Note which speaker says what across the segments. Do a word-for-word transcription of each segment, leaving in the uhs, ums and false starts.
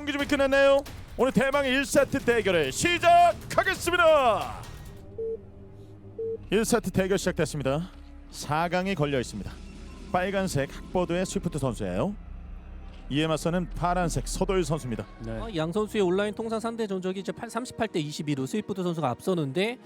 Speaker 1: 경기 좀 끝났나요? 오늘 대망의 일 세트 대결을 시작하겠습니다. 일 세트 대결 시작됐습니다. 사 강이 걸려 있습니다. 빨간색 학보드의 스위프트 선수예요. 이에 맞서는 파란색 서도일 선수입니다.
Speaker 2: 네.
Speaker 3: 어, 양 선수의 온라인 통산 상대 전적이 이제 삼십팔 대 이십이로 스위프트 선수가 앞서는데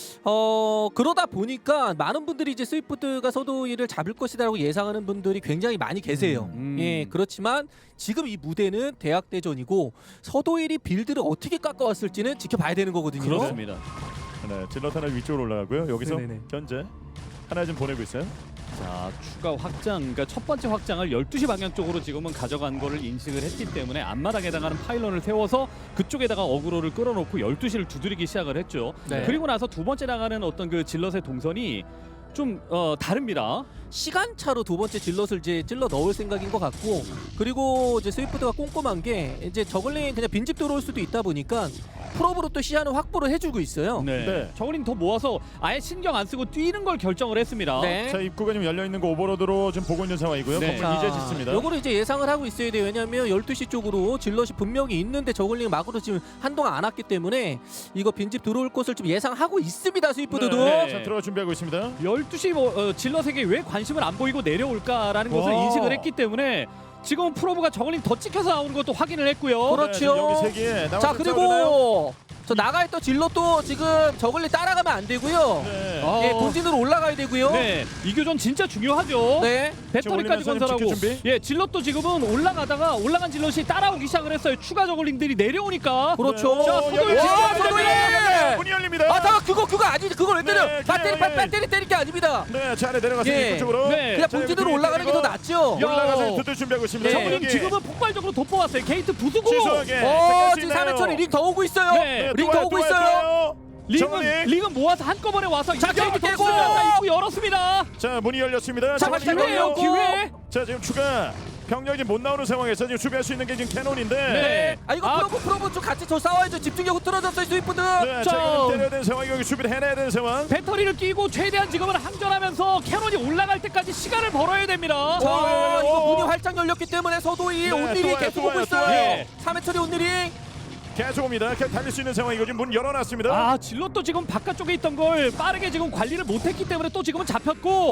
Speaker 3: 어 그러다 보니까 많은 분들이 이제 스위프트가 서도일을 잡을 것이다라고 예상하는 분들이 굉장히 많이 계세요.
Speaker 2: 음.
Speaker 3: 예, 그렇지만 지금 이 무대는 대학대전이고 서도일이 빌드를 어떻게 깎아왔을지는 지켜봐야 되는 거거든요.
Speaker 2: 그렇습니다.
Speaker 1: 네, 질럿 하나 위쪽으로 올라가고요. 여기서
Speaker 3: 네네네.
Speaker 1: 현재 하나 좀 보내고 있어요.
Speaker 2: 자, 추가 확장, 그러니까 첫 번째 확장을 열두 시 방향 쪽으로 지금은 가져간 거를 인식을 했기 때문에 앞마당에 해당하는 파일런을 세워서 그쪽에다가 어그로를 끌어놓고 열두 시를 두드리기 시작을 했죠.
Speaker 3: 네.
Speaker 2: 그리고 나서 두 번째 나가는 어떤 그 질럿의 동선이 좀 어, 다릅니다.
Speaker 3: 시간차로 두 번째 질럿을 이제 찔러 넣을 생각인 것 같고, 그리고 이제 스위프트가 꼼꼼한 게 이제 저글링 그냥 빈집 들어올 수도 있다 보니까 프로브로 또 시야는 확보를 해주고 있어요.
Speaker 2: 네.
Speaker 1: 네.
Speaker 2: 저글링 더 모아서 아예 신경 안 쓰고 뛰는 걸 결정을 했습니다.
Speaker 3: 네.
Speaker 1: 자, 입구가 좀 열려 있는 거 오버로드로 좀 보고 있는 상황이고요.
Speaker 2: 네.
Speaker 1: 건물 이제 짓습니다.
Speaker 3: 요거를 이제 예상을 하고 있어야 돼요. 왜냐하면 열두 시 쪽으로 질럿이 분명히 있는데 저글링 막으로 지금 한동안 안 왔기 때문에 이거 빈집 들어올 곳을 좀 예상하고 있습니다. 스위프트도.
Speaker 1: 네.
Speaker 2: 네.
Speaker 1: 자, 들어가 준비하고 있습니다.
Speaker 2: 열두 시 뭐, 어, 질럿에게 왜 관심을 안 보이고 내려올까라는 것을
Speaker 1: 와.
Speaker 2: 인식을 했기 때문에 지금 프로브가 저글링 더 찍혀서 나오는 것도 확인을 했고요.
Speaker 3: 그렇죠.
Speaker 1: 네, 지금 여기 세 개. 나와서
Speaker 3: 자,
Speaker 1: 싸우나요?
Speaker 3: 그리고 저 나가있던 질럿도 지금 저글링 따라가면 안 되고요.
Speaker 1: 네.
Speaker 2: 어.
Speaker 3: 예, 본진으로 올라가야 되고요.
Speaker 2: 네, 이 교전 진짜 중요하죠.
Speaker 3: 네.
Speaker 2: 배터리까지
Speaker 1: 지금 올리면서
Speaker 2: 건설하고,
Speaker 1: 지킬 준비?
Speaker 2: 예, 질럿도 지금은 올라가다가 올라간 질럿이 따라오기 시작을 했어요. 추가 저글링들이 내려오니까.
Speaker 3: 그렇죠.
Speaker 1: 네.
Speaker 2: 자,
Speaker 1: 어,
Speaker 2: 서도일
Speaker 1: 여기
Speaker 2: 진짜
Speaker 3: 와,
Speaker 2: 문제입니다.
Speaker 3: 서도일!
Speaker 1: 문이 열립니다.
Speaker 3: 아, 잠깐 그거 그거 아니지. 그걸 왜 때려?
Speaker 1: 네,
Speaker 3: 배터리
Speaker 1: 그냥,
Speaker 3: 배터리 때릴 게 아닙니다.
Speaker 1: 네, 자, 아래 내려가서
Speaker 3: 예.
Speaker 1: 입구 쪽으로.
Speaker 2: 네.
Speaker 3: 그냥
Speaker 1: 자,
Speaker 3: 본진으로
Speaker 1: 여기
Speaker 3: 올라가는 게 더 낫죠.
Speaker 2: 야.
Speaker 1: 올라가서 두들 준비하고 있습니다.
Speaker 3: 네.
Speaker 1: 저글링
Speaker 2: 저글링 지금은 폭발적으로 돋보았어요. 게이트 부수고.
Speaker 1: 취소하게.
Speaker 3: 어, 지금 삼회천이 링 더 오고 있어요.
Speaker 2: 네.
Speaker 3: 링 더 오고 있어요.
Speaker 2: 링은 링은 모아서 한꺼번에 와서
Speaker 3: 자,
Speaker 2: 이쪽으로
Speaker 3: 게이트 깨고!
Speaker 2: 덮습니다. 입구 열었습니다.
Speaker 1: 자, 문이 열렸습니다.
Speaker 3: 자,
Speaker 1: 저글링
Speaker 3: 기회예요,
Speaker 1: 열려요.
Speaker 2: 기회.
Speaker 1: 자, 지금 추가 병력이 못 나오는 상황에서 지금 수비할 수 있는 게 지금 캐논인데.
Speaker 2: 네.
Speaker 3: 아, 이거
Speaker 2: 아.
Speaker 3: 프로브 프로브 좀 같이 저 싸워야죠. 집중력 흐트러졌어요, 스위프트.
Speaker 1: 네,
Speaker 2: 자,
Speaker 1: 자, 이거 때려야 되는 상황, 여기 수비를 해내야 되는 상황.
Speaker 2: 배터리를 끼고 최대한 지금은 항전하면서 캐논이 올라갈 때까지 시간을 벌어야 됩니다.
Speaker 3: 자,
Speaker 1: 오,
Speaker 3: 이거
Speaker 1: 오.
Speaker 3: 문이 활짝 열렸기 때문에 서도이
Speaker 1: 네,
Speaker 3: 온일이
Speaker 1: 또 와요,
Speaker 3: 계속
Speaker 1: 또
Speaker 3: 오고
Speaker 1: 와요, 또
Speaker 3: 있어요.
Speaker 1: 와요.
Speaker 3: 삼회천이 온일이.
Speaker 1: 계속 옵니다. 계속 달릴 수 있는 상황이고 지금 문 열어놨습니다.
Speaker 2: 아, 질럿도 지금 바깥쪽에 있던 걸 빠르게 지금 관리를 못했기 때문에 또 지금은 잡혔고.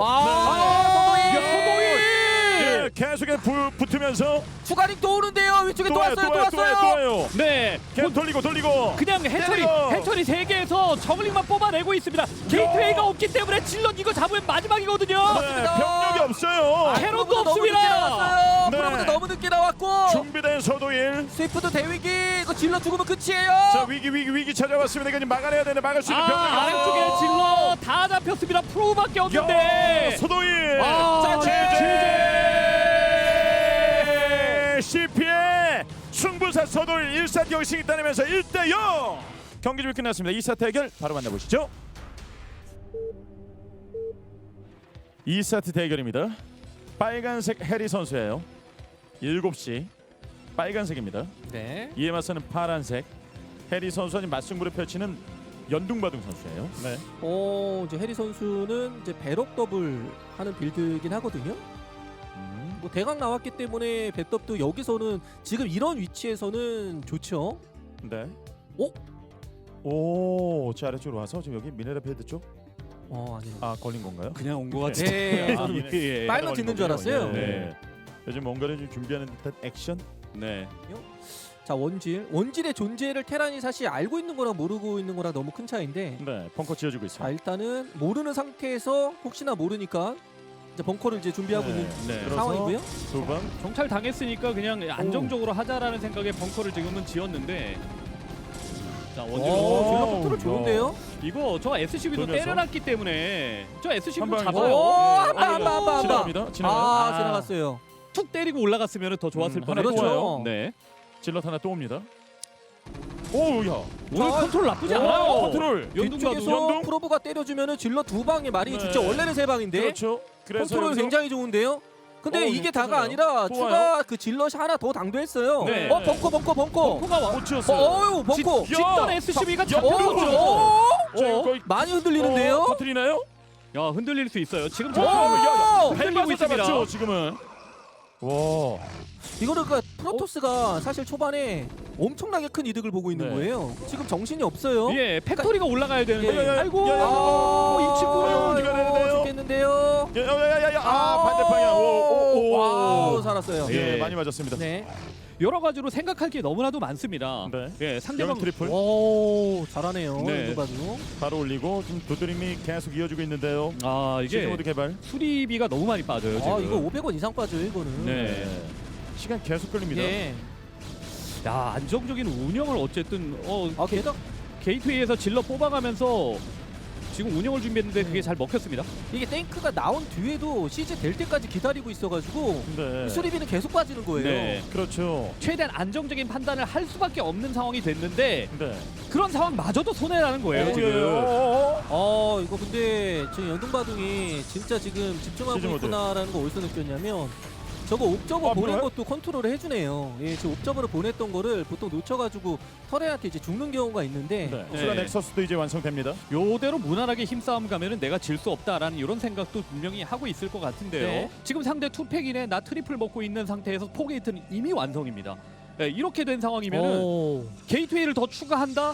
Speaker 3: 아,
Speaker 2: 야,
Speaker 3: 서도이.
Speaker 2: 서도이!
Speaker 1: 예, 계속해 부, 붙으면서
Speaker 3: 추가링 또 오는데요. 위쪽에 또,
Speaker 1: 또 와요,
Speaker 3: 왔어요.
Speaker 1: 또
Speaker 3: 또
Speaker 1: 와요, 또 와요, 또
Speaker 3: 왔어요.
Speaker 1: 와요.
Speaker 2: 네.
Speaker 1: 계속 돌리고 돌리고.
Speaker 2: 그냥 해처리
Speaker 1: 때리고.
Speaker 2: 해처리 세 개에서 저글링만 뽑아내고 있습니다. 게이트웨이가 없기 때문에 질럿 이거 잡으면 마지막이거든요.
Speaker 1: 네, 병력이 없어요.
Speaker 2: 아, 캐럿도
Speaker 3: 프로브도 너무
Speaker 2: 없습니다.
Speaker 3: 늦게 나왔어요.
Speaker 1: 네.
Speaker 3: 프로브도 너무 늦게 나왔고.
Speaker 1: 준비된 서도일.
Speaker 3: 스위프트 대위기. 이거 질러 죽으면 끝이에요.
Speaker 1: 자, 위기 위기 위기 찾아왔습니다. 이거 지금 막아내야 되는데 막을 수 있는
Speaker 2: 아,
Speaker 1: 병력이
Speaker 2: 아래쪽에
Speaker 1: 없어요.
Speaker 2: 질럿 다 잡혔습니다. 프로밖에
Speaker 1: 야,
Speaker 2: 없는데.
Speaker 1: 서도일.
Speaker 2: 아,
Speaker 1: 자,
Speaker 2: 제재.
Speaker 1: 씨피의 승부사 서도일 일 세트 결승이 따내면서 일 대 영. 경기 준비 끝났습니다. 이 세트 대결 바로 만나보시죠. 이 세트 대결입니다. 빨간색 해리 선수예요. 일곱 시 빨간색입니다.
Speaker 3: 네.
Speaker 1: 이에 맞서는 파란색 해리 선수와 지금 맞승부를 펼치는 연둥바둥 선수예요. 네.
Speaker 3: 어, 이제 해리 선수는 이제 배럭 더블 하는 빌드이긴 하거든요.
Speaker 1: 음.
Speaker 3: 뭐 대강 나왔기 때문에 배떡도 여기서는 지금 이런 위치에서는 좋죠.
Speaker 1: 네.
Speaker 3: 오?
Speaker 1: 오, 자 아래쪽으로 와서 지금 여기 미네랄 패드 쪽.
Speaker 3: 어, 아니요.
Speaker 1: 아, 걸린 건가요?
Speaker 2: 그냥 온 것
Speaker 3: 네.
Speaker 2: 아,
Speaker 1: 예, 예.
Speaker 3: 빨로
Speaker 1: 걸린
Speaker 3: 짓는 줄
Speaker 1: 거군요.
Speaker 3: 알았어요.
Speaker 1: 예.
Speaker 2: 네.
Speaker 1: 요즘 뭔가를 좀 준비하는 듯한 액션.
Speaker 2: 네.
Speaker 3: 자, 원질. 원질의 존재를 테란이 사실 알고 있는 거랑 모르고 있는 거랑 너무 큰 차이인데.
Speaker 1: 네, 벙커 지어주고 있어요.
Speaker 3: 자, 일단은 모르는 상태에서 혹시나 모르니까 이제 벙커를 이제 준비하고
Speaker 1: 네.
Speaker 3: 있는
Speaker 2: 네.
Speaker 1: 그래서
Speaker 3: 상황이고요.
Speaker 1: 두 번.
Speaker 2: 정찰 당했으니까 그냥 안정적으로 하자라는 생각에 벙커를 지금은 지었는데. 자,
Speaker 3: 오,
Speaker 2: 원질로
Speaker 3: 질러
Speaker 1: 오,
Speaker 3: 컨트롤 좋은데요?
Speaker 2: 이거 저 에스씨비도
Speaker 1: 돌면서.
Speaker 2: 때려놨기 때문에 저 에스씨비도
Speaker 1: 한 방에
Speaker 2: 잡아요.
Speaker 3: 오,
Speaker 2: 예.
Speaker 3: 한 방, 한 방, 한 방.
Speaker 1: 지나갑니다. 지나가요.
Speaker 3: 아,
Speaker 2: 아.
Speaker 3: 지나갔어요.
Speaker 2: 툭 때리고 올라갔으면 더 좋았을
Speaker 1: 음,
Speaker 2: 뻔했죠.
Speaker 1: 하나 또
Speaker 3: 와요.
Speaker 2: 네.
Speaker 1: 질럿 하나 또 옵니다. 오, 야.
Speaker 2: 오늘
Speaker 3: 자,
Speaker 2: 컨트롤 나쁘지
Speaker 3: 오,
Speaker 2: 않아요.
Speaker 1: 컨트롤.
Speaker 2: 연둥
Speaker 3: 뒤쪽에서
Speaker 2: 봐도
Speaker 1: 연동?
Speaker 3: 프로브가 때려주면은 질러 두 방에 말이
Speaker 1: 네.
Speaker 3: 좋죠. 원래는 세 방인데
Speaker 1: 그렇죠. 그래서
Speaker 3: 컨트롤
Speaker 1: 여기서
Speaker 3: 굉장히 좋은데요. 근데
Speaker 1: 어,
Speaker 3: 이게
Speaker 1: 이거
Speaker 3: 다가
Speaker 1: 터져요.
Speaker 3: 아니라
Speaker 1: 또
Speaker 3: 추가
Speaker 1: 와요?
Speaker 3: 그 질럿이 하나 더 당도했어요.
Speaker 2: 네.
Speaker 3: 어, 벙커, 벙커, 벙커.
Speaker 2: 벙커가 와.
Speaker 1: 못
Speaker 3: 어,
Speaker 1: 치었어요.
Speaker 3: 어유, 벙커.
Speaker 1: 야!
Speaker 2: 짓던 에스씨비가
Speaker 1: 야,
Speaker 3: 어,
Speaker 2: 잡혔죠.
Speaker 3: 어,
Speaker 1: 자, 이거
Speaker 2: 어?
Speaker 1: 거의
Speaker 3: 많이 흔들리는데요.
Speaker 1: 어, 터트리나요?
Speaker 2: 야, 흔들릴 수 있어요. 지금
Speaker 3: 오!
Speaker 2: 저
Speaker 3: 야,
Speaker 2: 흔들리고
Speaker 1: 밟아서
Speaker 2: 있습니다.
Speaker 1: 잡았죠, 지금은. 와.
Speaker 3: 이거를 그러니까 프로토스가 사실 초반에 엄청나게 큰 이득을 보고 있는
Speaker 1: 네.
Speaker 3: 거예요. 지금 정신이 없어요.
Speaker 2: 예, 팩토리가 올라가야 되는데.
Speaker 3: 예, 예, 예.
Speaker 2: 아이고,
Speaker 1: 야, 야, 야.
Speaker 2: 아, 이 친구는
Speaker 1: 아, 어디가 되는데요?
Speaker 3: 죽겠는데요.
Speaker 1: 야야야야. 아, 반대 방향. 오, 오, 오.
Speaker 3: 와우, 살았어요.
Speaker 1: 예,
Speaker 2: 예.
Speaker 1: 많이 맞았습니다.
Speaker 3: 네.
Speaker 2: 여러 가지로 생각할 게 너무나도 많습니다.
Speaker 1: 네.
Speaker 2: 예, 상대방
Speaker 1: 여기 트리플
Speaker 3: 오, 잘하네요.
Speaker 2: 네.
Speaker 3: 이거 봐도.
Speaker 1: 바로 올리고 지금 두드림이 계속 이어지고 있는데요.
Speaker 2: 아, 이게
Speaker 1: 시즌 모드 개발.
Speaker 2: 수리비가 너무 많이 빠져요, 지금.
Speaker 3: 아, 이거 오백 원 이상 빠져요, 이거는.
Speaker 2: 네.
Speaker 1: 시간 계속 끌립니다.
Speaker 3: 예.
Speaker 2: 야, 안정적인 운영을 어쨌든 어,
Speaker 3: 아, 게다가
Speaker 2: 게이트웨이에서 질러 뽑아가면서 지금 운영을 준비했는데 그게
Speaker 3: 네.
Speaker 2: 잘 먹혔습니다.
Speaker 3: 이게 탱크가 나온 뒤에도 시즈 될 때까지 기다리고 있어가지고
Speaker 1: 네.
Speaker 3: 수리비는 계속 빠지는 거예요.
Speaker 2: 네.
Speaker 1: 그렇죠.
Speaker 2: 최대한 안정적인 판단을 할 수밖에 없는 상황이 됐는데
Speaker 1: 네.
Speaker 2: 그런 상황마저도 손해라는 거예요,
Speaker 1: 어,
Speaker 2: 지금.
Speaker 1: 예, 어, 어, 어.
Speaker 3: 어, 이거 근데 지금 연동바둥이 진짜 지금 집중하고
Speaker 1: 시즈 모드.
Speaker 3: 있구나라는 거 어디서 느꼈냐면 저거 옵저버
Speaker 1: 아,
Speaker 3: 보낸
Speaker 1: 뭐야?
Speaker 3: 것도 컨트롤을 해주네요. 예, 지금 옵저버를 보냈던 거를 보통 놓쳐가지고 터레한테 이제 죽는 경우가 있는데
Speaker 1: 네.
Speaker 2: 네.
Speaker 1: 수가 넥서스도 이제 완성됩니다.
Speaker 2: 요대로 무난하게 힘싸움 가면은 내가 질 수 없다라는 이런 생각도 분명히 하고 있을 것 같은데요.
Speaker 3: 네.
Speaker 2: 지금 상대 투팩이네 나 트리플 먹고 있는 상태에서 포게이트는 이미 완성입니다. 네, 이렇게 된 상황이면은
Speaker 3: 오.
Speaker 2: 게이트웨이를 더 추가한다.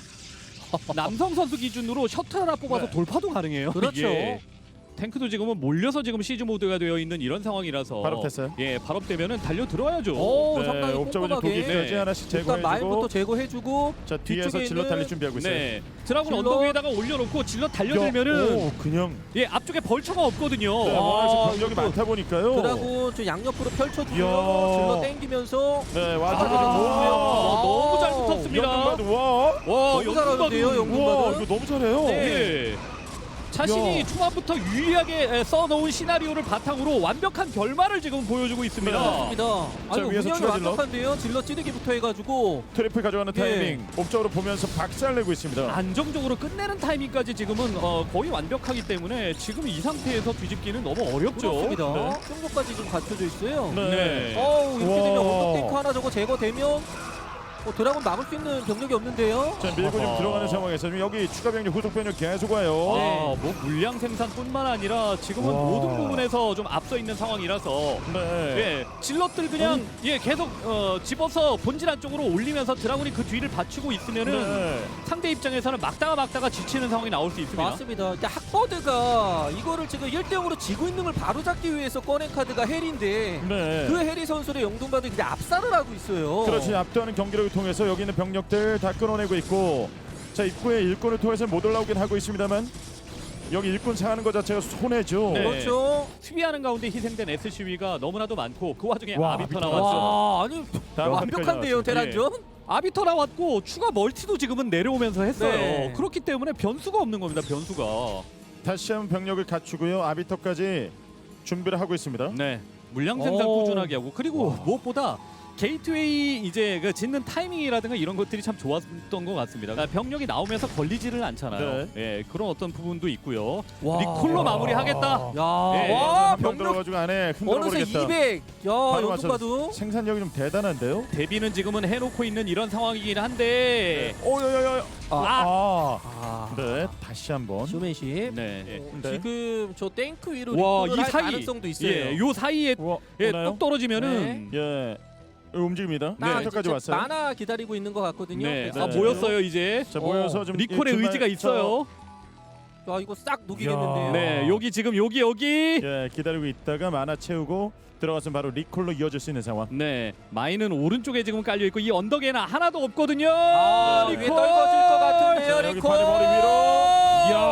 Speaker 2: 남성 선수 기준으로 셔틀 하나 뽑아서
Speaker 1: 네.
Speaker 2: 돌파도 가능해요.
Speaker 3: 그렇죠.
Speaker 2: 이게. 탱크도 지금은 몰려서 지금 시즈 모드가 되어 있는 이런 상황이라서
Speaker 1: 발업됐어요.
Speaker 2: 예, 발업되면은 달려 들어야죠.
Speaker 3: 오,
Speaker 1: 네,
Speaker 3: 상당히
Speaker 1: 옵저버
Speaker 3: 꼼꼼하게.
Speaker 1: 독일까지
Speaker 2: 네.
Speaker 1: 하나씩
Speaker 3: 일단 마인부터
Speaker 1: 제거해주고
Speaker 3: 제거해주고
Speaker 1: 자 뒤에서
Speaker 3: 뒤쪽에
Speaker 1: 질러
Speaker 3: 있는-
Speaker 1: 달릴 준비하고 있어요.
Speaker 2: 네, 드라군
Speaker 3: 질럿.
Speaker 2: 언덕 위에다가 올려놓고 질러 달려들면은
Speaker 1: 야, 오, 그냥
Speaker 2: 예 앞쪽에 벌처가 없거든요.
Speaker 1: 네,
Speaker 3: 아,
Speaker 1: 워낙 병력이
Speaker 3: 이것도
Speaker 1: 많다 보니까요.
Speaker 3: 드라군 저 양옆으로 펼쳐주고요.
Speaker 1: 이야.
Speaker 3: 질러 땡기면서
Speaker 1: 네,
Speaker 3: 아,
Speaker 1: 와서
Speaker 2: 아, 너무 잘
Speaker 3: 와우.
Speaker 2: 붙었습니다.
Speaker 1: 영등바드 와.
Speaker 2: 와,
Speaker 3: 너무 잘하는데요,
Speaker 2: 영등바드.
Speaker 3: 영등바드.
Speaker 1: 와, 이거 너무 잘해요.
Speaker 3: 네.
Speaker 2: 예. 자신이
Speaker 1: 야.
Speaker 2: 초반부터 유리하게 에, 써놓은 시나리오를 바탕으로 완벽한 결말을 지금 보여주고 있습니다.
Speaker 1: 네.
Speaker 3: 맞습니다. 아, 이거
Speaker 1: 위에서
Speaker 3: 운영이
Speaker 1: 추가 질럿.
Speaker 3: 완벽한데요. 질러 찌르기부터 해가지고
Speaker 1: 트리플 가져가는
Speaker 3: 예.
Speaker 1: 타이밍 옵적으로 보면서 박살내고 있습니다.
Speaker 2: 안정적으로 끝내는 타이밍까지 지금은 어, 거의 완벽하기 때문에 지금 이 상태에서 뒤집기는 너무 어렵죠.
Speaker 3: 그렇습니다.
Speaker 1: 네.
Speaker 3: 정도까지 지금 갖춰져 있어요.
Speaker 1: 네.
Speaker 2: 네.
Speaker 3: 어우, 이렇게
Speaker 1: 와.
Speaker 3: 되면 언덕 탱크 하나 저거 제거되면 어, 드라군 막을 수 있는 병력이 없는데요.
Speaker 1: 자 밀고 좀
Speaker 2: 어허.
Speaker 1: 들어가는 상황에서 지금 여기 추가 병력 후속 병력 계속 와요.
Speaker 2: 아, 뭐 물량 생산뿐만 아니라 지금은
Speaker 1: 와.
Speaker 2: 모든 부분에서 좀 앞서 있는 상황이라서
Speaker 1: 네.
Speaker 2: 예, 질럿들 그냥 예 계속 어, 집어서 본질 안쪽으로 올리면서 드라군이 그 뒤를 받치고 있으면은
Speaker 1: 네.
Speaker 2: 상대 입장에서는 막다가 막다가 지치는 상황이 나올 수 있습니다.
Speaker 3: 맞습니다. 근데 학버드가 이거를 지금 일 대 영으로 지고 있는 걸 바로잡기 위해서 꺼낸 카드가 헬인데
Speaker 1: 네.
Speaker 3: 그 해리 선수를 영동바도 그냥 압살을 하고 있어요.
Speaker 1: 그렇지 압도하는 경기력을 통해서 여기 있는 병력들 다 끌어내고 있고 자 입구에 일꾼을 통해서 못 올라오긴 하고 있습니다만 여기 일꾼 상하는 것 자체가 손해죠.
Speaker 2: 네.
Speaker 3: 그렇죠.
Speaker 2: 수비하는 가운데 희생된 에스씨비가 너무나도 많고 그 와중에
Speaker 1: 와,
Speaker 2: 아비터
Speaker 1: 아비터.
Speaker 2: 나왔죠.
Speaker 3: 와, 아니
Speaker 1: 다음
Speaker 3: 완벽한데요,
Speaker 1: 카드까지
Speaker 3: 테란전.
Speaker 2: 아비터 나왔고 추가 멀티도 지금은 내려오면서 했어요.
Speaker 3: 네.
Speaker 2: 그렇기 때문에 변수가 없는 겁니다. 변수가.
Speaker 1: 다시 한번 병력을 갖추고요. 아비터까지 준비를 하고 있습니다.
Speaker 2: 네. 물량 생산
Speaker 3: 오.
Speaker 2: 꾸준하게 하고 그리고
Speaker 1: 와.
Speaker 2: 무엇보다 게이트웨이 이제 그 짓는 타이밍이라든가 이런 것들이 참 좋았던 것 같습니다. 그러니까 병력이 나오면서 걸리지를 않잖아요. 예, 그런 어떤 부분도 있고요.
Speaker 3: 와.
Speaker 2: 리콜로 마무리하겠다.
Speaker 3: 야,
Speaker 2: 네.
Speaker 3: 와,
Speaker 1: 한방
Speaker 3: 병력
Speaker 1: 들어가지고 안에 흔들어
Speaker 3: 어느새
Speaker 1: 버리겠다.
Speaker 3: 이백. 야,
Speaker 1: 바로
Speaker 3: 영동바도.
Speaker 1: 생산력이 좀 대단한데요.
Speaker 2: 대비는 지금은 해놓고 있는 이런 상황이긴 한데.
Speaker 1: 오야야야.
Speaker 3: 아,
Speaker 1: 아.
Speaker 3: 아.
Speaker 1: 네, 다시 한번.
Speaker 3: 쇼맨십.
Speaker 2: 네.
Speaker 3: 어,
Speaker 1: 네.
Speaker 3: 지금 저 탱크 위로
Speaker 2: 와,
Speaker 3: 리콜을
Speaker 2: 이
Speaker 3: 할
Speaker 2: 사이.
Speaker 3: 가능성도 있어요.
Speaker 2: 예, 요 사이에
Speaker 1: 우와,
Speaker 2: 예,
Speaker 1: 오나요?
Speaker 2: 뚝 떨어지면은
Speaker 1: 예. 움직입니다.
Speaker 3: 나
Speaker 1: 네. 까지
Speaker 3: 이제
Speaker 1: 왔어요.
Speaker 3: 만화 기다리고 있는 것 같거든요.
Speaker 2: 네.
Speaker 3: 그래서
Speaker 2: 아, 모였어요, 이제.
Speaker 1: 자, 모여서
Speaker 3: 어,
Speaker 1: 좀
Speaker 2: 리콜의
Speaker 1: 일주일만
Speaker 2: 의지가 있어요.
Speaker 3: 야, 이거 싹 녹이겠는데요.
Speaker 2: 네, 여기 지금 여기 여기.
Speaker 1: 예, 기다리고 있다가 만화 채우고 들어가서 바로 리콜로 이어질 수 있는 상황.
Speaker 2: 네, 마인은 오른쪽에 지금 깔려 있고 이 언덕에는 하나도 없거든요.
Speaker 3: 아, 위에 떨궈질 것 같은데요,
Speaker 1: 자, 여기
Speaker 3: 리콜.
Speaker 1: 바로 머리 위로.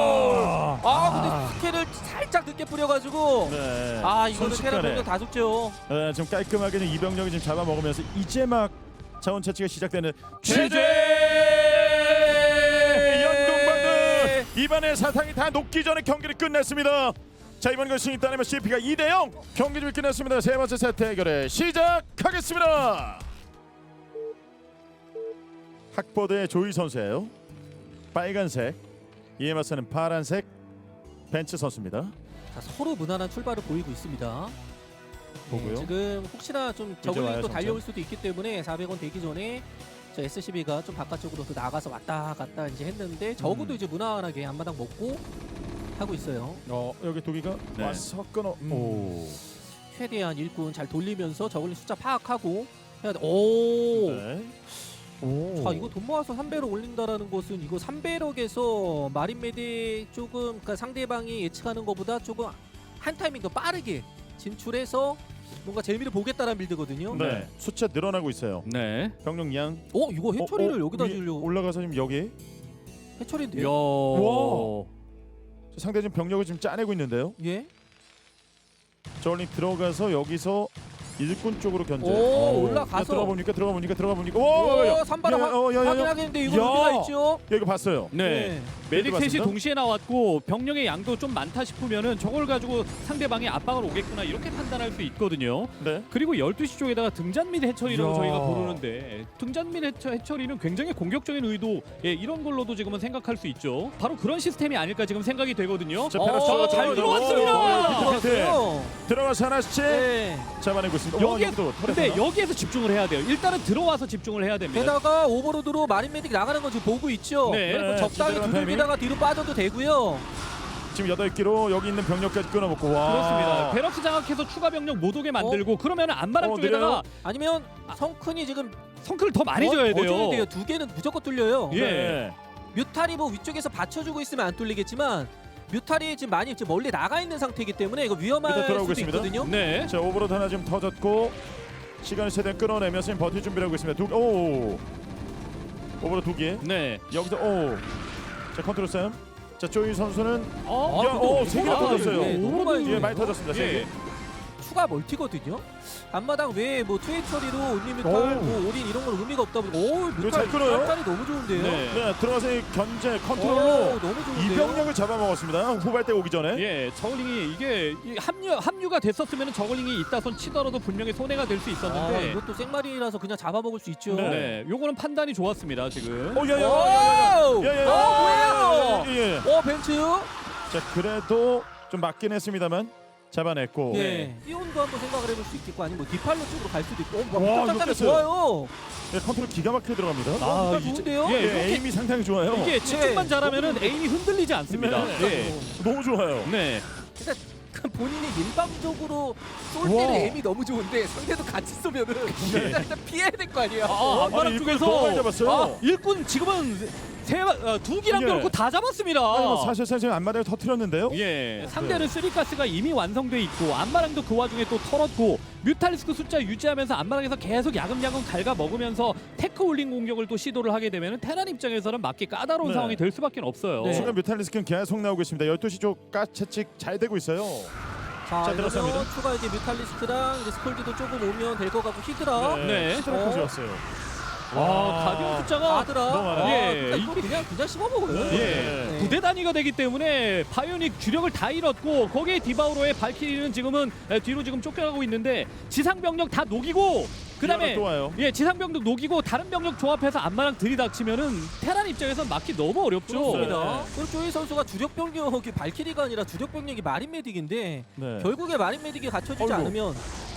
Speaker 1: 이야.
Speaker 3: 아, 근데 스킬을 살짝 늦게 뿌려가지고.
Speaker 1: 네.
Speaker 3: 아, 이거는
Speaker 1: 순식간에.
Speaker 3: 테란 병력 다 죽죠.
Speaker 1: 네, 좀 깔끔하게 좀 이병력이 좀 잡아먹으면서 이제 막 자원 채취가 시작되는
Speaker 2: 제재!
Speaker 1: 연동반드 이번에 사탕이 다 녹기 전에 경기를 끝냈습니다. 자, 이번 것이 따내면 씨피가 이 대 영 경기 좀 끝냈습니다. 세 번째 세트 해결에 시작하겠습니다. 학보드의 조이 선수예요. 빨간색, 이에 맞서는 파란색 벤츠 선수입니다.
Speaker 3: 자, 서로 무난한 출발을 보이고 있습니다.
Speaker 1: 보고요.
Speaker 3: 네, 지금 혹시나 좀
Speaker 1: 와요,
Speaker 3: 저글링 또
Speaker 1: 점점.
Speaker 3: 달려올 수도 있기 때문에 사백 원 되기 전에 저 에스씨비가 좀 바깥쪽으로 또 나가서 왔다 갔다 이제 했는데 적어도
Speaker 1: 음.
Speaker 3: 이제 무난하게 앞마당 먹고 하고 있어요.
Speaker 1: 어, 여기 도기가
Speaker 2: 네.
Speaker 1: 와서 끊어. 오.
Speaker 3: 최대한 일꾼 잘 돌리면서 저글링 숫자 파악하고 해야 돼. 오.
Speaker 1: 네. 오.
Speaker 3: 자, 이거 돈 모아서 삼 배로 올린다라는 것은 이거 삼 배럭에서 마린 메딕 조금 그러니까 상대방이 예측하는 것보다 조금 한 타이밍 더 빠르게 진출해서 뭔가 재미를 보겠다는 빌드거든요.
Speaker 1: 네. 숫자 늘어나고 있어요.
Speaker 2: 네.
Speaker 1: 병력 양.
Speaker 3: 어, 이거 해처리를
Speaker 1: 어, 어,
Speaker 3: 여기다
Speaker 1: 위-
Speaker 3: 지으려고.
Speaker 1: 올라가서 지금 여기
Speaker 3: 해처리인데요.
Speaker 2: 야.
Speaker 1: 와. 상대 지금 병력을 지금 짜내고 있는데요.
Speaker 3: 예.
Speaker 1: 저울링 들어가서 여기서 일꾼 쪽으로 견제.
Speaker 3: 오,
Speaker 1: 어.
Speaker 3: 올라가서.
Speaker 1: 들어가 보니까 들어가 보니까 들어가 보니까 오,
Speaker 3: 오, 삼바라
Speaker 1: 야, 어, 야, 야, 야.
Speaker 3: 확인하겠는데 이거
Speaker 1: 야.
Speaker 3: 의미가 있죠.
Speaker 1: 야, 이거 봤어요.
Speaker 2: 네. 메딕 셋이
Speaker 1: 맞습니다.
Speaker 2: 동시에 나왔고 병력의 양도 좀 많다 싶으면은 저걸 가지고 상대방이 압박을 오겠구나 이렇게 판단할 수 있거든요.
Speaker 1: 네.
Speaker 2: 그리고 열두 시 쪽에다가 등잔 및 해처리라고
Speaker 1: 이야.
Speaker 2: 저희가 부르는데 등잔 및 해처, 해처리는 굉장히 공격적인 의도 예, 이런 걸로도 지금은 생각할 수 있죠. 바로 그런 시스템이 아닐까 지금 생각이 되거든요.
Speaker 1: 자,
Speaker 3: 어,
Speaker 1: 페라스가
Speaker 2: 잘
Speaker 1: 들어가서-
Speaker 2: 들어왔습니다.
Speaker 1: 오, 오,
Speaker 3: 들어왔어요.
Speaker 1: 들어가서 하나씩
Speaker 3: 네.
Speaker 1: 잡아내고 있습니다. 와,
Speaker 2: 여기에
Speaker 1: 여기도
Speaker 2: 근데
Speaker 1: 털에서
Speaker 2: 여기에서 집중을 해야 돼요. 일단은 들어와서 집중을 해야 됩니다.
Speaker 3: 게다가 오버로드로 마린 메딕 나가는 거 지금 보고 있죠.
Speaker 2: 네.
Speaker 3: 그래서
Speaker 1: 네,
Speaker 3: 적당히
Speaker 1: 제대로 한
Speaker 3: 두들기다가 뒤로 빠져도 되고요.
Speaker 1: 지금 여덟 기로 여기 있는 병력까지 끊어먹고 와.
Speaker 2: 그렇습니다. 베럭스 장악해서 추가 병력 못 오게 만들고 그러면 안마랑
Speaker 1: 어,
Speaker 2: 쪽에다가
Speaker 1: 느려요?
Speaker 3: 아니면 성큰이 지금
Speaker 2: 성클을 더 많이
Speaker 3: 더-
Speaker 2: 줘야
Speaker 3: 더 줘야
Speaker 2: 돼요.
Speaker 3: 돼요. 두 개는 무조건 뚫려요.
Speaker 2: 예.
Speaker 1: 네.
Speaker 3: 뮤탈이 뭐 위쪽에서 받쳐주고 있으면 안 뚫리겠지만 뮤탈이 지금 많이 지금 멀리 나가 있는 상태이기 때문에 이거 위험할
Speaker 1: 일단 돌아오고
Speaker 3: 수도
Speaker 1: 있습니다.
Speaker 3: 있거든요.
Speaker 2: 네.
Speaker 1: 자, 오버로드 하나 지금 터졌고 시간을 최대한 끌어내면서 지금 버틸 준비를 하고 있습니다. 두, 오. 오버로드 두 개.
Speaker 2: 네.
Speaker 1: 여기서 오. 자, 컨트롤 싸움. 자, 조이 선수는
Speaker 2: 어?
Speaker 1: 야, 오, 세 개나
Speaker 2: 아,
Speaker 1: 터졌어요.
Speaker 3: 네, 너무 많이
Speaker 1: 예, 많이 터졌습니다. 세
Speaker 2: 예.
Speaker 1: 개.
Speaker 3: 추가 멀티거든요. 앞마당 외에 뭐 투에 처리로 온리 뮤탈,
Speaker 1: 오.
Speaker 3: 뭐 올인 이런 건 의미가 없다 보니까 오
Speaker 1: 이거
Speaker 3: 뮤탈
Speaker 1: 잘 끌어요?
Speaker 3: 뮤탈이 너무 좋은데요.
Speaker 2: 네.
Speaker 1: 네, 들어가서 이 견제
Speaker 3: 오,
Speaker 1: 컨트롤로
Speaker 3: 너무 좋은데요.
Speaker 1: 이병력을 잡아먹었습니다. 후발대 오기 전에.
Speaker 2: 예, 저글링이 이게 이 합류 합류가 됐었으면 저글링이 있다손 치더라도 분명히 손해가 될 수
Speaker 3: 아,
Speaker 2: 있었는데
Speaker 3: 이것도 생마리라서 그냥 잡아먹을 수 있죠.
Speaker 1: 네.
Speaker 2: 네, 요거는 판단이 좋았습니다 지금.
Speaker 1: 어, 야, 야, 야, 야,
Speaker 3: 오!
Speaker 1: 야, 야, 야,
Speaker 3: 어,
Speaker 1: 야,
Speaker 3: 뭐예요?
Speaker 1: 예, 예.
Speaker 3: 어 벤츠.
Speaker 1: 자, 그래도 좀 맞긴 했습니다만 잡아냈고.
Speaker 3: 예. 띄온도 한번 생각을 해볼 수 있겠고 아니면 뭐 디팔로 쪽으로 갈 수도 있고. 어,
Speaker 1: 와,
Speaker 3: 와,
Speaker 1: 이거
Speaker 3: 깜짝이
Speaker 1: 깼어요.
Speaker 3: 좋아요.
Speaker 1: 예, 컨트롤 기가 막히게 들어갑니다.
Speaker 3: 아,
Speaker 2: 이제-
Speaker 3: 좋은데요?
Speaker 2: 예,
Speaker 1: 예,
Speaker 2: 이렇게
Speaker 1: 에임이 상당히 좋아요.
Speaker 2: 이게 집중만
Speaker 3: 네.
Speaker 2: 잘하면은 에임이 흔들리지 않습니다.
Speaker 1: 네.
Speaker 2: 예.
Speaker 1: 너무 좋아요.
Speaker 2: 네.
Speaker 3: 그러니까 그 본인이 일방적으로 쏠
Speaker 1: 와.
Speaker 3: 때는 에임이 너무 좋은데 상대도 같이 쏘면은 일단 피해야 될 거 아니에요.
Speaker 2: 아, 안마랑
Speaker 1: 아니, 일꾼을
Speaker 2: 쪽에서
Speaker 1: 너무 많이 잡았어요.
Speaker 2: 아, 일꾼 지금은 세, 어, 두 기랑
Speaker 1: 예.
Speaker 2: 그렇고 다 잡았습니다.
Speaker 1: 아니, 뭐 사실상 지금 앞마당을 터트렸는데요.
Speaker 2: 예, 상대는 쓰리가스가 이미 완성돼 있고 안마랑도 그 와중에 또 털었고 뮤탈리스크 숫자 유지하면서 안마랑에서 계속 야금야금 갉아 먹으면서 테크 올린 공격을 또 시도를 하게 되면 테란 입장에서는 맞기 까다로운
Speaker 1: 네.
Speaker 2: 상황이 될 수밖에 없어요.
Speaker 3: 네.
Speaker 1: 순간 뮤탈리스크는 계속 나오고 있습니다. 열두 시 쪽 가채찍 잘 되고 있어요.
Speaker 3: 자,
Speaker 1: 자,
Speaker 3: 이러면
Speaker 1: 들어갑니다.
Speaker 3: 추가 이제 뮤탈리스트랑 이제 스콜드도 조금 오면 될 것 같고 히드라.
Speaker 2: 네.
Speaker 1: 히드라까지
Speaker 3: 어.
Speaker 1: 왔어요.
Speaker 2: 와, 가디언 숫자가
Speaker 3: 아드라.
Speaker 1: 너무 많아요.
Speaker 3: 아,
Speaker 2: 예.
Speaker 3: 그러니까 이거 그냥 그냥 씹어 먹어요.
Speaker 1: 네.
Speaker 2: 예.
Speaker 3: 네.
Speaker 2: 부대 단위가 되기 때문에 바이오닉 주력을 다 잃었고 거기에 디바우로의 발키리는 지금은 에, 뒤로 지금 쫓겨나고 있는데 지상 병력 다 녹이고 그다음에
Speaker 1: 또 와요.
Speaker 2: 예 지상 병력 녹이고 다른 병력 조합해서 안마랑 들이닥치면은 테란 입장에서 막기 너무 어렵죠.
Speaker 3: 그렇습니다. 그리고 조이 선수가 주력 병력이 발키리가 아니라 주력 병력이 마린 메딕인데
Speaker 1: 네.
Speaker 3: 결국에 마린 메딕이 갖춰지지
Speaker 1: 어이구.
Speaker 3: 않으면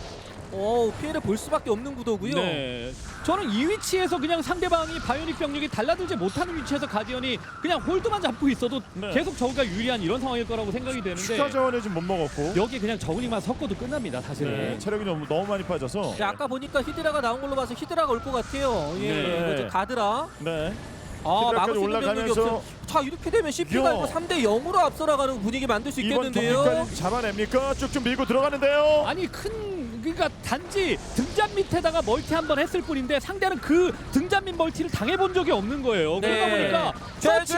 Speaker 3: 어, 피해를 볼 수밖에 없는 구도고요.
Speaker 2: 네, 저는 이 위치에서 그냥 상대방이 바이오닉 병력이 달라들지 못하는 위치에서 가디언이 그냥 홀드만 잡고 있어도
Speaker 1: 네.
Speaker 2: 계속 저우가 유리한 이런 상황일 거라고 생각이 되는데
Speaker 1: 추가 자원을 지금 못 먹었고.
Speaker 2: 여기 그냥 저글링만 섞어도 끝납니다 사실은.
Speaker 1: 네. 체력이 너무 너무 많이 빠져서.
Speaker 3: 네, 아까 보니까 히드라가 나온 걸로 봐서 히드라가 올 것 같아요. 예,
Speaker 2: 네.
Speaker 3: 이거 이제 가드라.
Speaker 1: 네.
Speaker 3: 아,
Speaker 1: 히드라까지
Speaker 3: 막을 수 있는 병력이
Speaker 1: 올라가면서-
Speaker 3: 없어요. 자, 이렇게 되면 씨피가
Speaker 1: 야.
Speaker 3: 이거 삼 대 영으로 앞서 나가는 분위기 만들 수
Speaker 1: 이번
Speaker 3: 있겠는데요.
Speaker 1: 경기까지 잡아냅니까? 쭉쭉 밀고 들어가는데요.
Speaker 2: 아니 큰 그러니까 단지 등잔 밑에다가 멀티 한 번 했을 뿐인데 상대는 그 등잔 밑 멀티를 당해본 적이 없는 거예요. 그러다
Speaker 3: 네.
Speaker 2: 보니까
Speaker 3: 제제!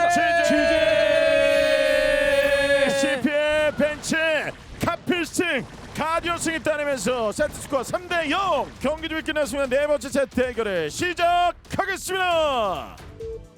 Speaker 1: 제제 씨피의 벤치 카필승 가디언 승이 따내면서 세트스코어 삼 대 영 경기 중 끝났으면 네 번째 세트 대결을 시작하겠습니다.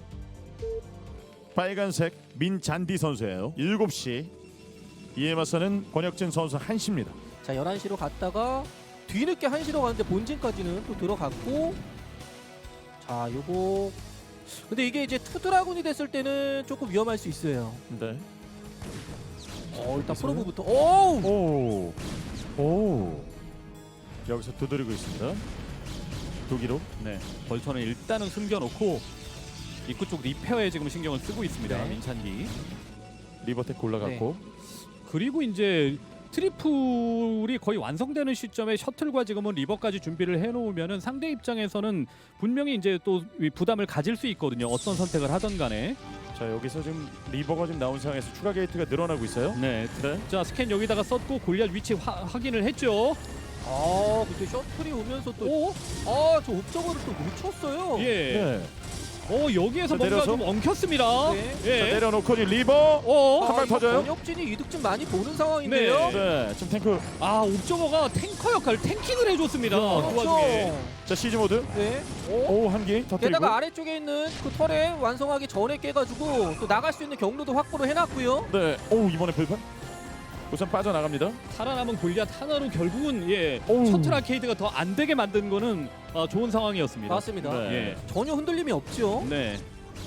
Speaker 1: 빨간색 민잔디 선수예요. 일곱 시 이에 맞서는 권혁진 선수 한 시입니다.
Speaker 3: 자, 열한 시로 갔다가 뒤늦게 한 시로 가는데 본진까지는 또 들어갔고 자, 요거 근데 이게 이제 투드라군이 됐을 때는 조금 위험할 수 있어요.
Speaker 1: 네.
Speaker 3: 어, 일단
Speaker 1: 있어요?
Speaker 3: 프로브부터 오!
Speaker 1: 오. 오. 여기서 두드리고 있습니다. 두기로.
Speaker 2: 네, 벌처는 일단은 숨겨놓고 입구 쪽 리페어에 지금 신경을 쓰고 있습니다.
Speaker 3: 네.
Speaker 2: 민찬기.
Speaker 1: 리버텍 올라갔고.
Speaker 2: 그리고 이제 트리플이 거의 완성되는 시점에 셔틀과 지금은 리버까지 준비를 해놓으면은 상대 입장에서는 분명히 이제 또이 부담을 가질 수 있거든요. 어떤 선택을 하던 간에.
Speaker 1: 자 여기서 지금 리버가 지금 나온 상황에서 추가 게이트가 늘어나고 있어요.
Speaker 2: 네.
Speaker 1: 네.
Speaker 2: 자 스캔 여기다가 썼고 골리앗 위치 화, 확인을 했죠.
Speaker 3: 아 근데 셔틀이 오면서 또
Speaker 2: 오,
Speaker 3: 아 저 옵저버를 또 놓쳤어요.
Speaker 2: 예.
Speaker 1: 네.
Speaker 2: 어 여기에서
Speaker 1: 자,
Speaker 2: 뭔가
Speaker 1: 내려서?
Speaker 2: 좀 엉켰습니다.
Speaker 3: 네.
Speaker 2: 예.
Speaker 1: 자 내려놓고 지금 리버.
Speaker 2: 어,
Speaker 1: 한 방
Speaker 3: 이거
Speaker 1: 터져요?
Speaker 3: 권혁진이 이득 좀 많이 보는 상황인데요.
Speaker 2: 네.
Speaker 1: 네. 지금 탱크.
Speaker 2: 아 옵저버가 탱커 역할, 탱킹을 해줬습니다. 그
Speaker 3: 그렇죠.
Speaker 2: 와중에.
Speaker 1: 자 시즈 모드.
Speaker 3: 네.
Speaker 1: 오 한기 터뜨리고.
Speaker 3: 게다가 아래쪽에 있는 그 털에 완성하기 전에 깨가지고 또 나갈 수 있는 경로도 확보를 해놨고요.
Speaker 1: 네. 오 이번에 불판. 우선 빠져나갑니다.
Speaker 2: 살아남은 골리앗 하나로 결국은 예
Speaker 1: 오우.
Speaker 2: 셔틀 아케이드가 더 안 되게 만든 거는 어, 좋은 상황이었습니다.
Speaker 3: 맞습니다.
Speaker 1: 네.
Speaker 2: 예.
Speaker 3: 전혀 흔들림이 없죠.
Speaker 2: 네.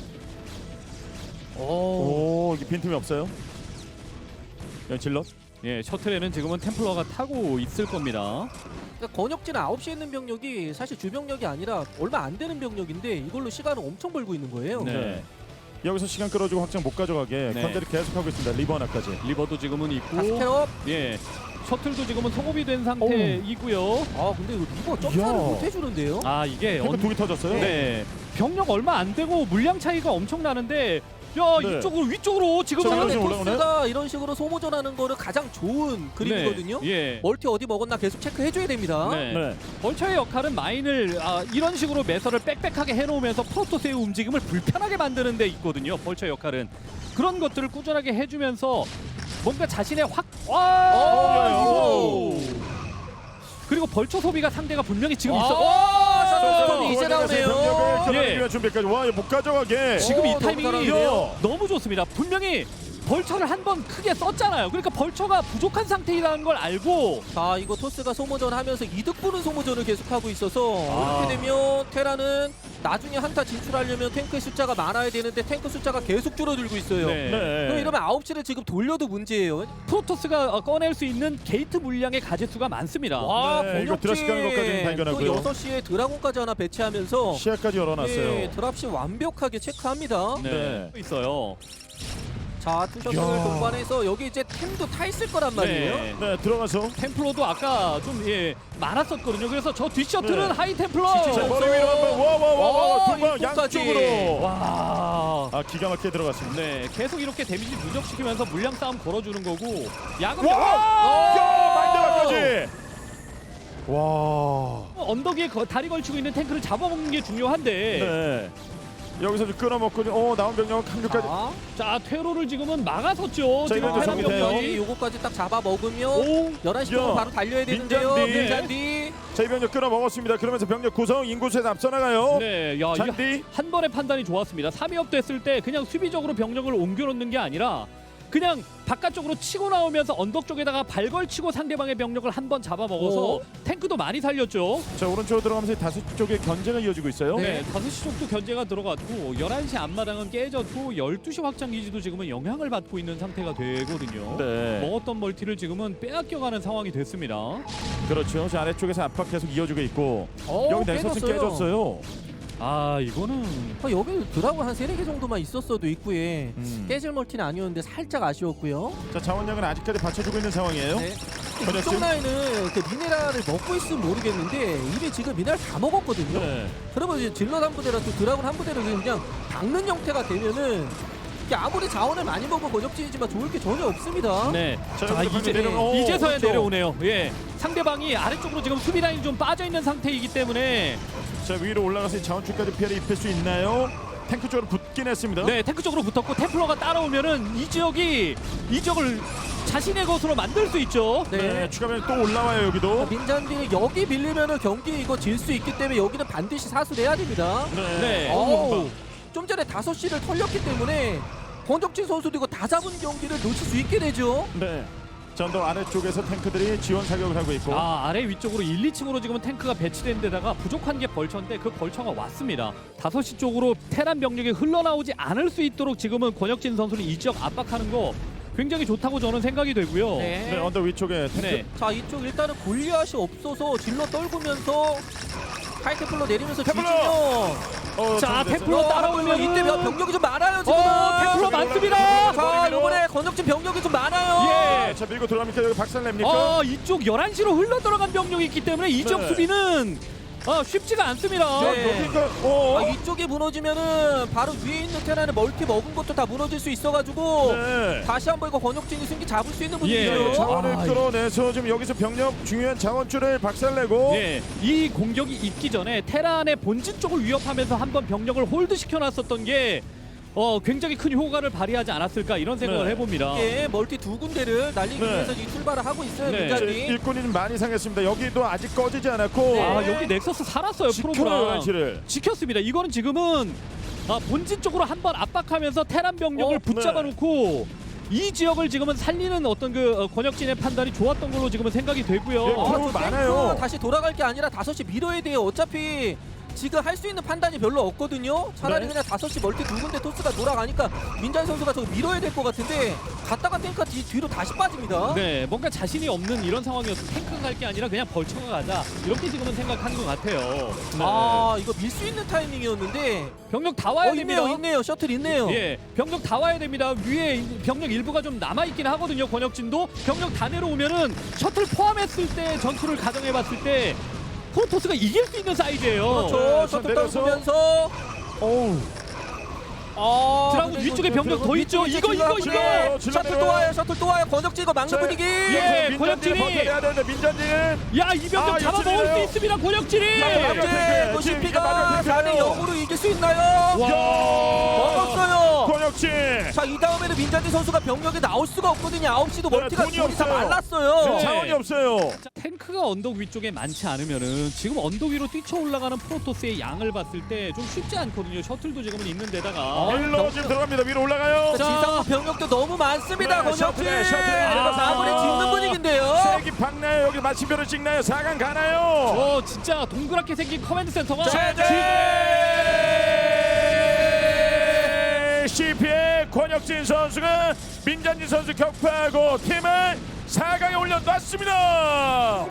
Speaker 3: 오.
Speaker 1: 오 이게 빈틈이 없어요. 여기 질럿.
Speaker 2: 예, 셔틀에는 지금은 템플러가 타고 있을 겁니다.
Speaker 3: 그러니까 권혁진 아홉 시에 있는 병력이 사실 주병력이 아니라 얼마 안 되는 병력인데 이걸로 시간을 엄청 벌고 있는 거예요.
Speaker 2: 네.
Speaker 1: 네. 여기서 시간 끌어주고 확장 못 가져가게
Speaker 2: 네.
Speaker 1: 컨트롤 계속하고 있습니다. 리버 하나까지.
Speaker 2: 리버도 지금은 있고,
Speaker 3: 다스캐럽.
Speaker 2: 예, 셔틀도 지금은 소급이 된 상태이고요.
Speaker 3: 아 근데 이거 리버 점사를
Speaker 1: 이야.
Speaker 3: 못 해주는데요.
Speaker 2: 아 이게
Speaker 1: 탱크
Speaker 2: 언...
Speaker 1: 두개 터졌어요.
Speaker 2: 네, 병력 얼마 안 되고 물량 차이가 엄청 나는데, 야
Speaker 1: 네.
Speaker 2: 이쪽으로 위쪽으로 지금은
Speaker 1: 자,
Speaker 3: 근데
Speaker 1: 지금 올라오네?
Speaker 3: 토스가 이런 식으로 소모전하는 거를 가장 좋은 그림이거든요.
Speaker 2: 네, 예.
Speaker 3: 멀티 어디 먹었나 계속 체크해줘야 됩니다.
Speaker 2: 네.
Speaker 1: 네.
Speaker 2: 벌처의 역할은 마인을 아, 이런 식으로 매설을 빽빽하게 해놓으면서 프로토스의 움직임을 불편하게 만드는 데 있거든요. 벌처의 역할은 그런 것들을 꾸준하게 해주면서 뭔가 자신의 확 와!
Speaker 3: 오!
Speaker 2: 그리고 벌처 소비가 상대가 분명히 지금
Speaker 3: 아,
Speaker 2: 있어.
Speaker 3: 셔틀 이제 나오네요.
Speaker 1: 병력을
Speaker 2: 예.
Speaker 1: 위한 준비까지. 와 이거 못 가져가게.
Speaker 2: 지금 이
Speaker 3: 오, 너무
Speaker 2: 타이밍이
Speaker 3: 잘하는데요?
Speaker 2: 너무 좋습니다. 분명히 벌처를 한 번 크게 썼잖아요. 그러니까 벌처가 부족한 상태라는 걸 알고
Speaker 3: 자 이거 토스가 소모전 하면서 이득 보는 소모전을 계속하고 있어서
Speaker 1: 아.
Speaker 3: 이렇게 되면 테라는 나중에 한타 진출하려면 탱크의 숫자가 많아야 되는데 탱크 숫자가 계속 줄어들고 있어요.
Speaker 2: 네.
Speaker 1: 네.
Speaker 3: 그럼 이러면 아홉 시를 지금 돌려도 문제예요.
Speaker 2: 프로토스가 어, 꺼낼 수 있는 게이트 물량의 가짓수가 많습니다.
Speaker 3: 와
Speaker 1: 네, 이거 드랍십 가는 것까지는 발견하고요.
Speaker 3: 또 여섯 시에 드라곤까지 하나 배치하면서
Speaker 1: 시야까지 열어놨어요.
Speaker 3: 네, 드랍십 완벽하게 체크합니다.
Speaker 2: 네.
Speaker 1: 네.
Speaker 2: 있어요.
Speaker 3: 자 투셔틀을
Speaker 1: 이야.
Speaker 3: 동반해서 여기 이제 템도 타 있을 거란 말이에요.
Speaker 2: 네.
Speaker 1: 네 들어가서.
Speaker 2: 템플러도 아까 좀 예, 많았었거든요. 그래서 저 뒷셔틀은
Speaker 1: 네.
Speaker 2: 하이 템플러.
Speaker 1: 자 머리 위로 한번 와와와와
Speaker 3: 와,
Speaker 1: 통과
Speaker 3: 이쪽까지.
Speaker 1: 양쪽으로.
Speaker 2: 와.
Speaker 1: 아 기가 막히게 들어갔습니다.
Speaker 2: 네, 계속 이렇게 데미지 누적시키면서 물량 싸움 걸어주는 거고 야금
Speaker 1: 와!
Speaker 2: 와!
Speaker 1: 야 마인드까지. 와.
Speaker 2: 언덕 위에 거- 다리 걸치고 있는 탱크를 잡아먹는 게 중요한데
Speaker 1: 네. 여기서 좀 끊어먹고 어 나온 병력 한 류까지.
Speaker 3: 자,
Speaker 2: 자 퇴로를 지금은 막아섰죠.
Speaker 1: 자,
Speaker 2: 지금
Speaker 1: 이거
Speaker 2: 테란
Speaker 1: 정리돼요.
Speaker 2: 병력이.
Speaker 3: 여기 요거까지 딱 잡아 먹으면
Speaker 2: 오,
Speaker 3: 열한 시
Speaker 1: 야.
Speaker 3: 동안 바로 달려야 되는데요.
Speaker 1: 민잔디.
Speaker 3: 민잔디.
Speaker 1: 자 이 병력 끊어먹었습니다. 그러면서 병력 구성 인구수에서 앞서 나가요.
Speaker 2: 네, 야 이게
Speaker 1: 잔디.
Speaker 2: 한 번의 판단이 좋았습니다. 삼 위업 됐을 때 그냥 수비적으로 병력을 옮겨놓는 게 아니라 그냥 바깥쪽으로 치고 나오면서 언덕 쪽에다가 발걸치고 상대방의 병력을 한 번 잡아먹어서
Speaker 3: 오.
Speaker 2: 탱크도 많이 살렸죠.
Speaker 1: 자 오른쪽으로 들어가면서 다섯 쪽의 견제가 이어지고 있어요.
Speaker 2: 네, 다섯 시 쪽도 견제가 들어갔고 열한 시 앞마당은 깨졌고 열두 시 확장 기지도 지금은 영향을 받고 있는 상태가 되거든요.
Speaker 1: 네.
Speaker 2: 먹었던 멀티를 지금은 빼앗겨가는 상황이 됐습니다.
Speaker 1: 그렇죠. 저 아래쪽에서 압박 계속 이어지고 있고
Speaker 3: 어,
Speaker 1: 여기 내서스 깨졌어요.
Speaker 2: 아 이거는
Speaker 3: 어, 여기 드라곤 한 세네 개 정도만 있었어도 입구에
Speaker 1: 음.
Speaker 3: 깨질 멀티는 아니었는데 살짝 아쉬웠고요.
Speaker 1: 자 자원량은 아직까지 받쳐주고 있는 상황이에요.
Speaker 3: 네.
Speaker 1: 전혀
Speaker 3: 이쪽
Speaker 1: 지금-
Speaker 3: 라인은 그 미네랄을 먹고 있으면 모르겠는데 이미 지금 미네랄 다 먹었거든요.
Speaker 1: 네.
Speaker 3: 그러면 이제 질럿 한 부대랑 또 드라곤 한 부대를 그냥 박는 형태가 되면은 이게 아무리 자원을 많이 먹어 권역진이지만 좋을 게 전혀 없습니다.
Speaker 2: 네.
Speaker 1: 자,
Speaker 2: 자
Speaker 1: 여기서
Speaker 2: 이제
Speaker 1: 내려가- 오,
Speaker 2: 이제서야
Speaker 1: 그렇죠.
Speaker 2: 내려오네요. 예. 상대방이 아래쪽으로 지금 수비 라인이 좀 빠져 있는 상태이기 때문에
Speaker 1: 자 위로 올라가서 자원줄까지 피해를 입힐 수 있나요? 탱크 쪽으로 붙긴 했습니다.
Speaker 2: 네 탱크 쪽으로 붙었고 템플러가 따라오면은 이 지역이 이 지역을 자신의 것으로 만들 수 있죠.
Speaker 1: 네.
Speaker 3: 네.
Speaker 1: 추가면 또 올라와요 여기도.
Speaker 3: 민잔디 여기 밀리면은 경기 이거 질 수 있기 때문에 여기는 반드시 사수해야 됩니다.
Speaker 1: 네.
Speaker 2: 네.
Speaker 3: 어우, 좀 전에 다섯 시를 털렸기 때문에 권적진 선수도 이거 다 잡은 경기를 놓칠 수 있게 되죠.
Speaker 1: 네. 전도 아래쪽에서 탱크들이 지원 사격을 하고 있고.
Speaker 2: 아 아래 위쪽으로 일, 이 층으로 지금은 탱크가 배치된 데다가 부족한 게 벌처인데 그 벌처가 왔습니다. 다섯 시 쪽으로 테란 병력이 흘러나오지 않을 수 있도록 지금은 권혁진 선수는 이 지역 압박하는 거 굉장히 좋다고 저는 생각이 되고요.
Speaker 3: 네.
Speaker 1: 네 언덕 위쪽에 탱크.
Speaker 2: 네.
Speaker 3: 자 이쪽 일단은 골리앗이 없어서 질러 떨구면서 하이테플로 내리면서
Speaker 1: 테플러!
Speaker 3: 뒤지면
Speaker 1: 어,
Speaker 2: 자,
Speaker 1: 정리됐어요.
Speaker 2: 테플러 따라오면
Speaker 3: 이때 병력이 좀 많아요 지금.
Speaker 2: 어, 테플러 많습니다.
Speaker 3: 자 이번에 권혁진 병력이 좀 많아요.
Speaker 2: 예. 네.
Speaker 1: 자 밀고 들어갑니까? 여기 박살 냅니까?
Speaker 2: 어, 이쪽 열한 시로 흘러 들어간 병력이 있기 때문에 이쪽
Speaker 1: 네.
Speaker 2: 수비는 어, 쉽지가 않습니다.
Speaker 3: 네.
Speaker 1: 여기가 어.
Speaker 3: 아, 이쪽이 무너지면은 바로 위에 있는 테라는 멀티 먹은 것도 다 무너질 수 있어가지고
Speaker 1: 네.
Speaker 3: 다시 한번 이거 권혁진이 승기 잡을 수 있는
Speaker 2: 예.
Speaker 3: 분위기죠.
Speaker 1: 자원을
Speaker 2: 아,
Speaker 1: 끌어내서 지금 여기서 병력 중요한 자원줄을 박살내고
Speaker 2: 예, 이 공격이 있기 전에 테란의 본진 쪽을 위협하면서 한번 병력을 홀드 시켜놨었던 게 어, 굉장히 큰 효과를 발휘하지 않았을까 이런 생각을
Speaker 1: 네.
Speaker 2: 해봅니다.
Speaker 3: 예, 멀티 두 군데를 날리기
Speaker 1: 네.
Speaker 3: 위해서 이 출발을 하고 있어요.
Speaker 2: 네.
Speaker 1: 자,
Speaker 3: 민간이.
Speaker 1: 일꾼이 좀 많이 상했습니다. 여기도 아직 꺼지지 않았고
Speaker 3: 네.
Speaker 2: 아, 여기 넥서스 살았어요.
Speaker 1: 지켜요
Speaker 2: 프로브랑
Speaker 1: 열한 시를.
Speaker 2: 지켰습니다. 이거는 지금은 아, 본진 쪽으로 한번 압박하면서 테란 병력을
Speaker 3: 어,
Speaker 2: 붙잡아
Speaker 1: 네.
Speaker 2: 놓고 이 지역을 지금은 살리는 어떤 그 어, 권혁진의 판단이 좋았던 걸로 지금은 생각이 되고요.
Speaker 1: 예,
Speaker 3: 어,
Speaker 1: 프로
Speaker 3: 저
Speaker 1: 많아요.
Speaker 3: 탱크 다시 돌아갈 게 아니라 다섯 시 밀어야 돼요. 어차피 지금 할 수 있는 판단이 별로 없거든요. 차라리
Speaker 1: 네.
Speaker 3: 그냥 다섯 시 멀티 두 군데 토스가 돌아가니까 민찬 선수가 저거 밀어야 될 것 같은데 갔다가 탱크가 뒤, 뒤로 다시 빠집니다.
Speaker 2: 네, 뭔가 자신이 없는 이런 상황이어서 탱크가 갈 게 아니라 그냥 벌쳐가 가자 이렇게 지금은 생각하는 것 같아요.
Speaker 3: 아, 이거 밀 수 있는 타이밍이었는데
Speaker 2: 병력 다 와야
Speaker 3: 어,
Speaker 2: 됩니다.
Speaker 3: 있네요, 있네요. 셔틀 있네요.
Speaker 2: 예, 병력 다 와야 됩니다. 위에 병력 일부가 좀 남아 있긴 하거든요. 권혁진도 병력 다 내려오면은 셔틀 포함했을 때 전투를 가정해봤을 때 프로토스가 이길 수 있는 사이즈예요.
Speaker 3: 그렇죠.
Speaker 1: 네,
Speaker 3: 셔틀
Speaker 1: 내려서.
Speaker 3: 떨구면서
Speaker 1: 어우.
Speaker 3: 아,
Speaker 2: 드라군
Speaker 3: 근데
Speaker 2: 위쪽에
Speaker 3: 이거
Speaker 2: 병력 더 있죠.
Speaker 3: 위쪽에
Speaker 2: 이거 이거
Speaker 3: 질러
Speaker 2: 이거.
Speaker 1: 질러.
Speaker 3: 셔틀 또 와요. 셔틀 또 와요. 권혁진 이거 막는
Speaker 1: 자,
Speaker 3: 분위기.
Speaker 2: 예,
Speaker 1: 민전진이
Speaker 2: 권혁진이.
Speaker 1: 버텨야 되는데 민전진은
Speaker 2: 야, 이 병력
Speaker 1: 아,
Speaker 2: 잡아먹을
Speaker 1: 역시네요.
Speaker 2: 수 있습니다. 권혁진이.
Speaker 1: 자,
Speaker 3: 현재
Speaker 1: 탱크. 지금 이게
Speaker 3: 노시피가
Speaker 1: 마지막
Speaker 3: 사 대
Speaker 1: 탱크예요.
Speaker 3: 영으로 이길 수 있나요?
Speaker 1: 야!
Speaker 3: 먹었어요.
Speaker 1: 권혁진.
Speaker 3: 자, 이 다음에는 민찬지 선수가 병력에 나올 수가 없거든요. 아홉 시도
Speaker 1: 네,
Speaker 3: 멀티가
Speaker 1: 돈이
Speaker 3: 돈이 다
Speaker 1: 없어요.
Speaker 3: 말랐어요.
Speaker 2: 네.
Speaker 1: 자원이 없어요.
Speaker 2: 자, 탱크가 언덕 위쪽에 많지 않으면은 지금 언덕 위로 뛰쳐 올라가는 프로토스의 양을 봤을 때 좀 쉽지 않거든요. 셔틀도 지금은 있는 데다가
Speaker 1: 일로 지금 들어갑니다. 위로 올라가요.
Speaker 3: 자, 지상부 병력도 너무 많습니다.
Speaker 1: 네,
Speaker 3: 권혁진.
Speaker 1: 셔틀에, 셔틀에
Speaker 3: 아,
Speaker 1: 내려서.
Speaker 3: 마무리 짓는 분위기인데요.
Speaker 1: 세기 박나요. 여기 마침표를 찍나요. 사 강 가나요.
Speaker 2: 어, 진짜 동그랗게 생긴 커맨드 센터가
Speaker 1: 제제 씨피의 권혁진 선수가 민찬진 선수 격파하고 팀을 사 강에 올려놨습니다.